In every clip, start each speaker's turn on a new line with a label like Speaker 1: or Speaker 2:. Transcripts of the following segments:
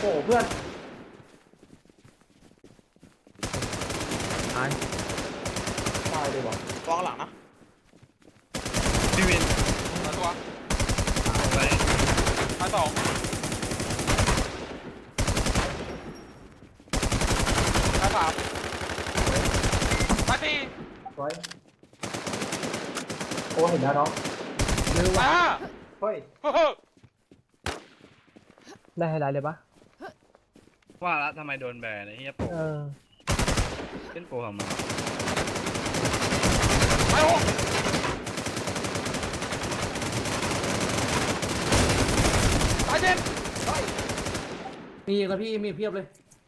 Speaker 1: อ้เพื่อนตายเลยวะ
Speaker 2: วางหลังนะ
Speaker 3: พี่วิน
Speaker 2: ตัว
Speaker 3: ไป
Speaker 2: ตายสองตายสามตายสี่
Speaker 1: ไว้โอ้เห็นแล้วน้อง
Speaker 2: ตายห้า
Speaker 1: เฮ้ย
Speaker 4: ได้ไฮไลท์เลยปะ
Speaker 3: ว่าละทำไมโดนแบนไอ้เหี้ยโปเล่นโปทำไม
Speaker 2: ตายหกตายเจ็ด
Speaker 1: มีครับพี่มีเพียบเลย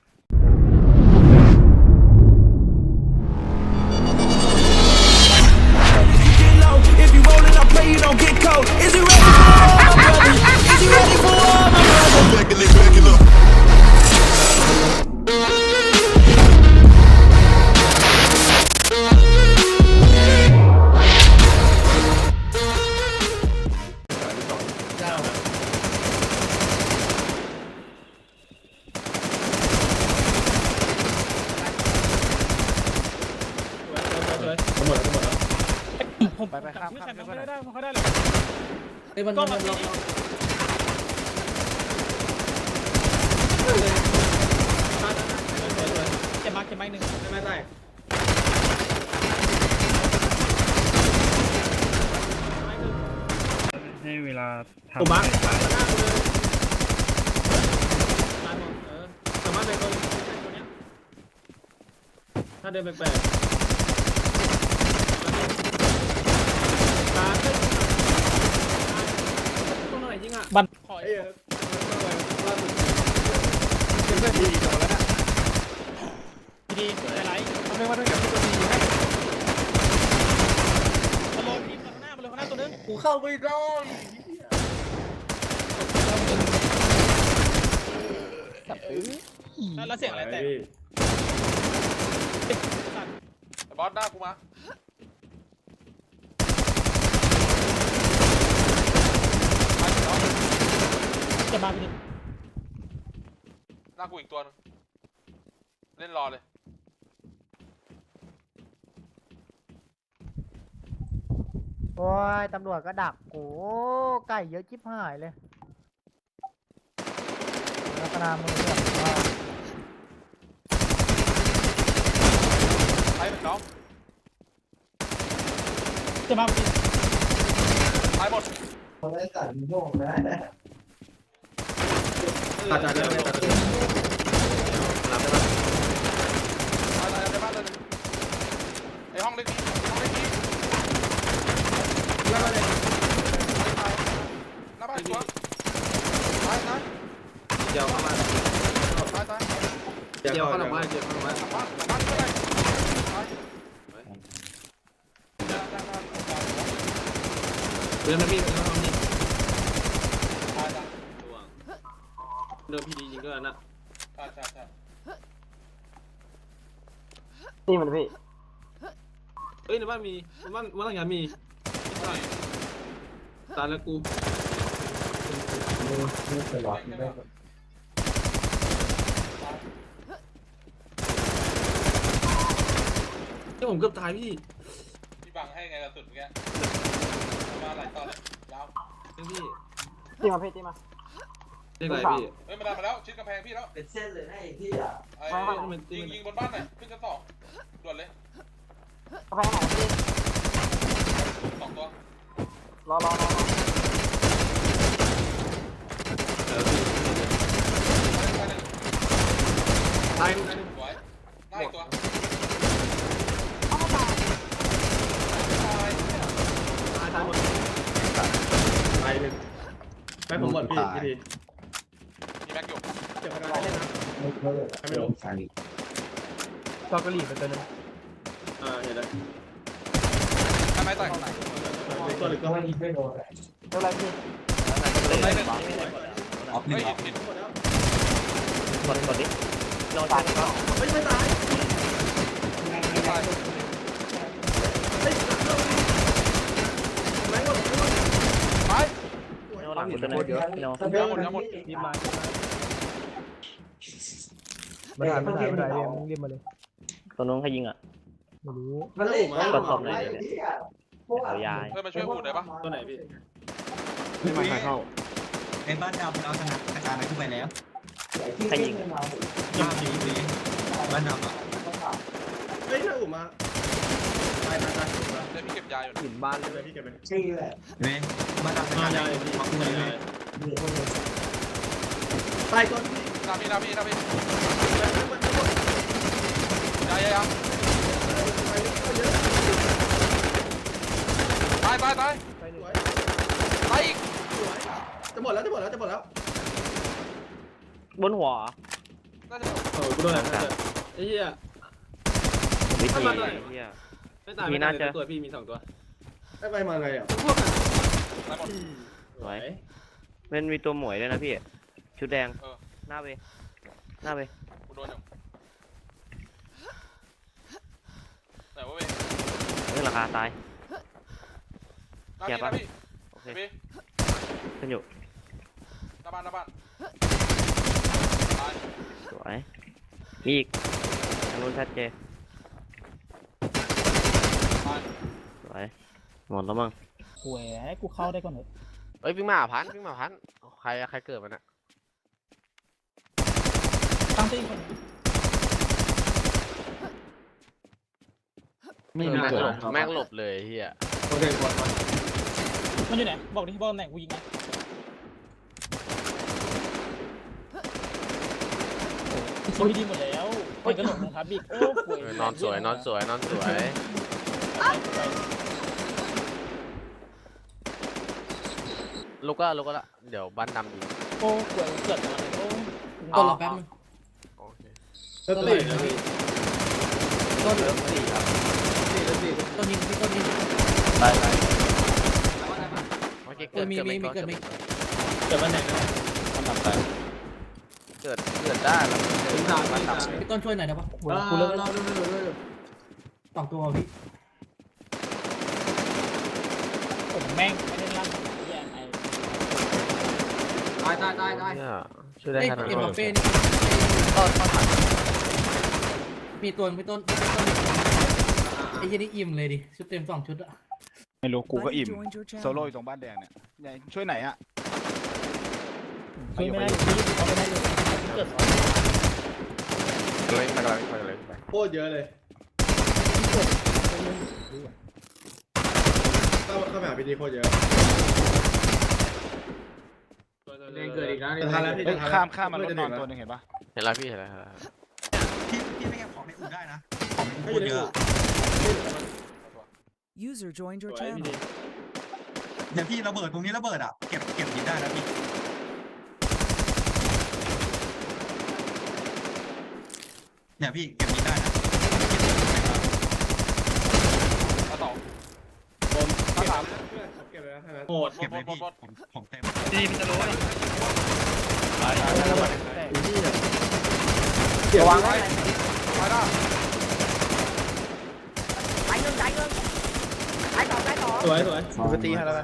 Speaker 5: If you rollin', I pray you don't get cold. Is you ready for all my brothers? Is you ready for all my brothers? Back it up.
Speaker 2: ผมไปข้ามไม่ได้ไม่ค่อยได้เลย
Speaker 1: ไอ้มัน
Speaker 2: ก็
Speaker 1: มัน
Speaker 2: มา
Speaker 1: ล็
Speaker 2: ที
Speaker 1: อก
Speaker 2: เจ็บมากเจ็บมากหนึ่ง
Speaker 1: ไม่ได้
Speaker 3: ให้เวลาทำ
Speaker 1: ผมบัง
Speaker 3: ตาย
Speaker 1: ตายหมดสามารถไปตัวนี้ถ้าเดินแปลกตาขึ้นตรงไหนจริงอ่ะ
Speaker 2: บันขอ
Speaker 1: เอ้ย
Speaker 2: ดีโดนแล้วนะดีอะไรทำไมว่าด้วยกับตัวดีให้มาลงทีมข้างหน้ามาเลยข้างหน้าตัวนึง
Speaker 1: กูเข้าไม่ได้
Speaker 2: แล้วเสียงอะไรแต่บอสหน้ากูมาจะมาพี่หน้ากูอีกตัวนึงเล่นรอเลย
Speaker 4: โอ้ยตำรวจก็ดักโอ้ไก่เยอะชิบหายเลยลักษณะมือแบบว่า
Speaker 2: ตายเป็นน้องจะมาพี่ตายหมด
Speaker 1: เขาได้ตัดโยกนะตัดได้ไหมตัดได้รับได้ปะ
Speaker 2: ตายในบ้านเลยไอห้องเล็กนี้ห้องเล็กนี้
Speaker 1: แล้วก็เลย
Speaker 2: หน้าบ้านตัวตายตาย
Speaker 1: เดี๋ยวเข้ามา
Speaker 2: ตายตาย
Speaker 1: เดี๋ยวเข้ามาเดี๋ยวเข้ามา
Speaker 2: หลังบ้านเท่าไหร่ตาย
Speaker 1: เดินมาพี่เดินมาพี่
Speaker 2: ตายตาย
Speaker 1: เดินพี่ดีจริงด้วยนะ
Speaker 2: ใช่ใช่ใช่
Speaker 4: นี่มันพี่
Speaker 1: เอ้ยในบ้านมีบ้านหลังยามีตายแล้วกูนี่ผมเกือบตายพี่
Speaker 2: พี่บังให้ไงกระสุนเมื่อกี้มาหลายตอนเลยยาว
Speaker 1: พี่
Speaker 4: ตีมาพี่ตีมา
Speaker 1: เรียกอะไรพี่
Speaker 2: เฮ้ยมาได้มาแล้วชิดกำแพงพี่แล้ว
Speaker 1: เป็นเส้นเลยนะไอ้ที่อ่ะ
Speaker 2: ไอ้ยิงบนบ้านหน่อยขึ้นชั้นสองด่วนเลย
Speaker 4: กระแพงไหนพี่
Speaker 2: สองตัว
Speaker 4: รอ
Speaker 1: ตาย
Speaker 2: สวยหน้าอีกตัวตาย
Speaker 1: หมดตายหนึ่งไปผมหมดพี่ที
Speaker 2: มีแม็กอยู่
Speaker 1: เจ็บอะไรนะไม่รู้
Speaker 4: ตอกระหลี่ไปตัวนึง
Speaker 1: เห็นแล้ว
Speaker 2: ทำไมต่อย
Speaker 1: ตัวหรือก็ไม่โดน
Speaker 4: เท่าไรพี่
Speaker 2: ได้หนึ่ง
Speaker 6: ออฟหนึ่
Speaker 2: เฮ้
Speaker 6: ง
Speaker 2: ย
Speaker 6: ออฟ
Speaker 2: ผิด
Speaker 4: กดดิลองตายก็
Speaker 1: ไม่ตาย
Speaker 2: ตาย
Speaker 4: หลังตัวนึงเดี๋ยว
Speaker 2: ทั้งหมดทั้งหมด
Speaker 4: ทีมมาไม่ได้ไม่ได้ไม่ได้เรียกมาเลย
Speaker 6: ตัวนู้นใครยิงอ่ะ
Speaker 4: ไม่รู้
Speaker 1: มันอู่มา
Speaker 6: ตบตบหน่อยเดี๋ยวเนี่ยเอายาย
Speaker 2: เฮ้ยมาช่วยอูดได้ปะ
Speaker 1: ตัวไหนพี่
Speaker 6: ไม่มาเข้า
Speaker 7: ไอ้บ้านดำเราชนะกระจายไปขึ้นไปแล้ว
Speaker 6: ใครยิง
Speaker 7: ยอดดีดีบ้านดำอ่ะ
Speaker 1: เฮ้ยถ้าอู่มาตาย
Speaker 2: เดี๋ยวพี่เก็บยาอยู่นะ
Speaker 1: หินบ้านเลยพี่เก็บไป
Speaker 7: เว้ยบ้านดำกระ
Speaker 1: มา
Speaker 7: จาย
Speaker 1: ยา
Speaker 7: ไป
Speaker 1: เลยพี่
Speaker 7: ขึ้นไปเลย
Speaker 1: ตายก่อนพี่
Speaker 2: หน้าพี่ยาตาย
Speaker 1: ไปหนึ่ง
Speaker 2: ตายอีก
Speaker 1: จะหมดแล้ว
Speaker 6: บนหัว
Speaker 2: น่าจะ
Speaker 1: กูโดนอะไรไอ้เหี้ย
Speaker 6: วิธี
Speaker 1: ถ้ามันอะไร
Speaker 6: เฮีย
Speaker 1: ไม่ตาย
Speaker 6: มีน่าจะ
Speaker 1: ตัวพี่มี2ตัวไอ้ไปมาไงอ่ะ
Speaker 2: ตายหมด
Speaker 6: สวยมันมีตัวหมวยด้วยนะพี่ชุดแดง
Speaker 2: เออ
Speaker 6: หน้าเวหน้าเว
Speaker 2: กูโดนอยู่ไหนวะเว้ย
Speaker 6: เรื่องราคาตาย
Speaker 2: หน้าพี่
Speaker 6: โอเค
Speaker 2: พี่
Speaker 6: ขึ้นอยู่
Speaker 2: หน้าบ้านตาย
Speaker 6: สวยมีอีกทางนู้นชัดเจน
Speaker 2: ตาย
Speaker 6: สวยหมดแล้วมั้ง
Speaker 8: หวยให้กูเข้าได้ก่อนเถอะ
Speaker 9: เอ้ยวิ่งมาพันใครเกิดมันอะ
Speaker 8: ตั้งตีคน
Speaker 9: แม่งหลบเลยเฮีย
Speaker 1: โอเคกดมา
Speaker 8: มันอยู่ไหนบอกดิบอกตำแหน่งกูยิงไงโอ้ยดีหมดแล้วมันก็หลงนะครับบิ๊กโอ้หวย
Speaker 9: นอนสวยลุกก็ละเดี๋ยวบ้านดำยิง
Speaker 8: โอ้หวยเกิดอะไรโอ้
Speaker 9: ต้นรอแป๊บนึงโอเค
Speaker 1: แล้วตีนะพี่
Speaker 9: ต้นเหลือ4ครับ
Speaker 7: ต้นยิงพี่ต้นยิง
Speaker 6: ไป
Speaker 9: เมื่อกี้เกิดไม่
Speaker 1: เกิดวันไหนนะ
Speaker 9: เกิดได้แล้ว
Speaker 1: ถึงสามบ้านด
Speaker 7: พี่ต้นช่วยหน่อยได้ปะ
Speaker 1: ำกูเลิกเลิก
Speaker 7: สองตัวพี่
Speaker 8: ผมแม่งไม่ได้ลั่นแย่ไอ้
Speaker 1: ตาย
Speaker 9: เนี่ยช่วยได้ขนาด
Speaker 7: เอ็ม
Speaker 9: นั้
Speaker 7: บั
Speaker 9: น
Speaker 7: ฟเฟ่นี่มีตัวพี่ต้นไอ้ยี่นี่อิ่มเลยดิชุดเต็ม2 ชุดอะ
Speaker 3: ไม่รู้กูก็อิ่มโซโล่อยู่ตรงบ้านแดงเนี่ยใหญ่ช่วยไหนอ่ะ
Speaker 8: ช่วยไม่ได้พี่เขาไม่ได้เลยเกิด
Speaker 9: เลยไป
Speaker 1: โคตรเยอะเลยเข้าไปหาพีดีโคตรเยอะเกิดอีกแล้วทันแล้วพี่
Speaker 3: เฮ้ยข้ามมารถนอนตัวหนึงเห็นปะ
Speaker 9: เห็นแล้วพี่เห็นแล้ว
Speaker 7: พี่ไม่เก็บของในอุ่นได้นะของในอุ่นเยอะ
Speaker 10: User joined your
Speaker 1: สวยพี่
Speaker 10: channel.
Speaker 1: ดี
Speaker 7: เดี๋ยวพี่ระเบิดตรงนี้ระเบิดอ่ะเก็บยิงได้นะพี่เนี่ยพี่เก็บยิงได้นะ
Speaker 2: ตาสอง
Speaker 1: ตาสามเก็บเลยนะโหด
Speaker 7: เก็บเลยพี่ผมเต็ม
Speaker 3: ดีมันจะโรย
Speaker 1: ระวังไว้
Speaker 2: ตายได้
Speaker 1: สวย
Speaker 3: ปกติให้แล้ว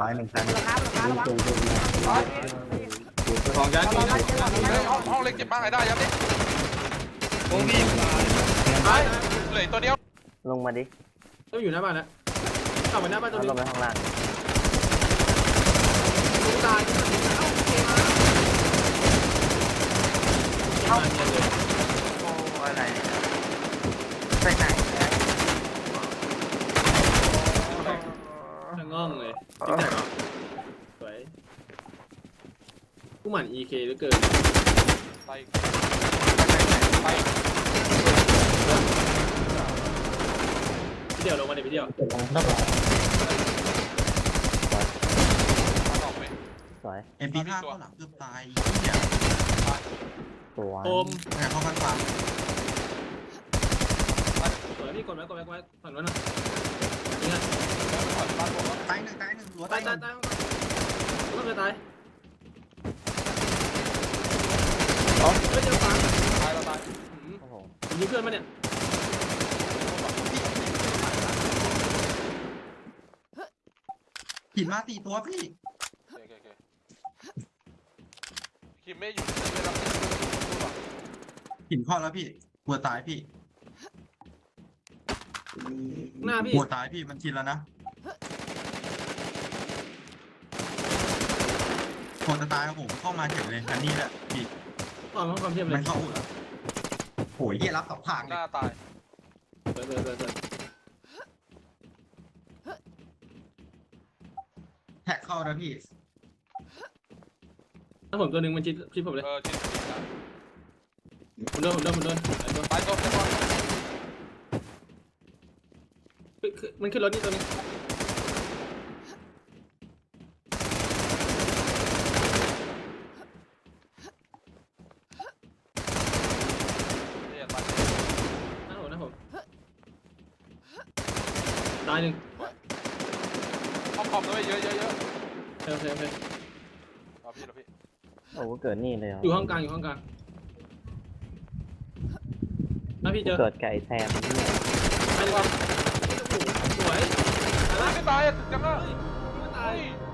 Speaker 1: ของยันนี่นะ
Speaker 2: ห้องเล็กเจ็บมากไอ้ได้ยับดิ
Speaker 3: โอ้มี
Speaker 2: เหลือตัวเดียว
Speaker 6: ลงมาดิ
Speaker 1: ต้องอยู่หน้าบ้านนะกลับไปหน้าบ้านตัว
Speaker 6: เอา
Speaker 1: นี้
Speaker 6: ลงไปข้างล่าง
Speaker 1: ตายเข้าเลย
Speaker 6: อะไรไปไหน
Speaker 1: ทั้งง่องเลยจิ๊กแจกสวยผู้หมั่น EK เหลือเกิน
Speaker 2: ตาย
Speaker 1: พี่เดียวลงมาเดี๋ยวพี่เดียว
Speaker 2: ตาสองไป
Speaker 6: สวย
Speaker 7: MP5 เข้าหลังเกือบตายเนี่ย
Speaker 6: สวย
Speaker 1: โอม
Speaker 7: แต่เข้ากันฟัง
Speaker 1: สวยพี่กดไว้ผ่านไว้หน่อยนี่ไง
Speaker 7: ตายหนึ่งหัว
Speaker 1: ตา
Speaker 7: ตาย ย
Speaker 1: ต้องจะตายเฮ้ยเจอฝัง
Speaker 2: ตายเราตาย
Speaker 6: โอ้โห
Speaker 1: ผมยิงเพื่อนมาเนี่ย
Speaker 7: หินมา4 ตัวพี่
Speaker 2: โอเคคิมไม่อยู่ไม่รับ
Speaker 10: หินข้อแล้วพี่กลัวตายพี่
Speaker 1: หน้าพี่
Speaker 10: กลัวตายพี่มันชินแล้วนะผมจะตายครับผมเข้ามาเฉยเลยคันนี้แหละพี่
Speaker 1: ต่อมาความเทียบเล
Speaker 10: มั
Speaker 1: ย
Speaker 10: นเข้าอู่แล้วโหยเหี้ยรับสองทาง
Speaker 2: ห
Speaker 10: เลย
Speaker 2: น้าตาย
Speaker 1: เปิด
Speaker 10: แท็กเข้านะพี่
Speaker 1: ถ้าผมตัวหนึ่งมันชิดผมเลย
Speaker 2: ชิด
Speaker 1: ผมโดนไอ้ตัว
Speaker 2: ตายตัวตัว
Speaker 1: มันขึ้นรถนี่ตัวนึง
Speaker 2: เนี่ยตาย
Speaker 1: หน้าผมตายหนึ่ง
Speaker 2: ห้องคอมด้วยเยอะเยอะเยอะ
Speaker 1: โอเค
Speaker 2: รอพี่รอพี่
Speaker 6: โอ้เกิดนี่เลยเหรอ
Speaker 1: อยู่ห้องกลางถ้าพี่เจอ
Speaker 6: เกิดไก่แซมเนี่ย
Speaker 1: ไอ้ตัวโอ้โหสวย
Speaker 2: ไม่ตายอ่ะจังอ่ะ
Speaker 1: ไม่ตาย
Speaker 2: เฮ้ย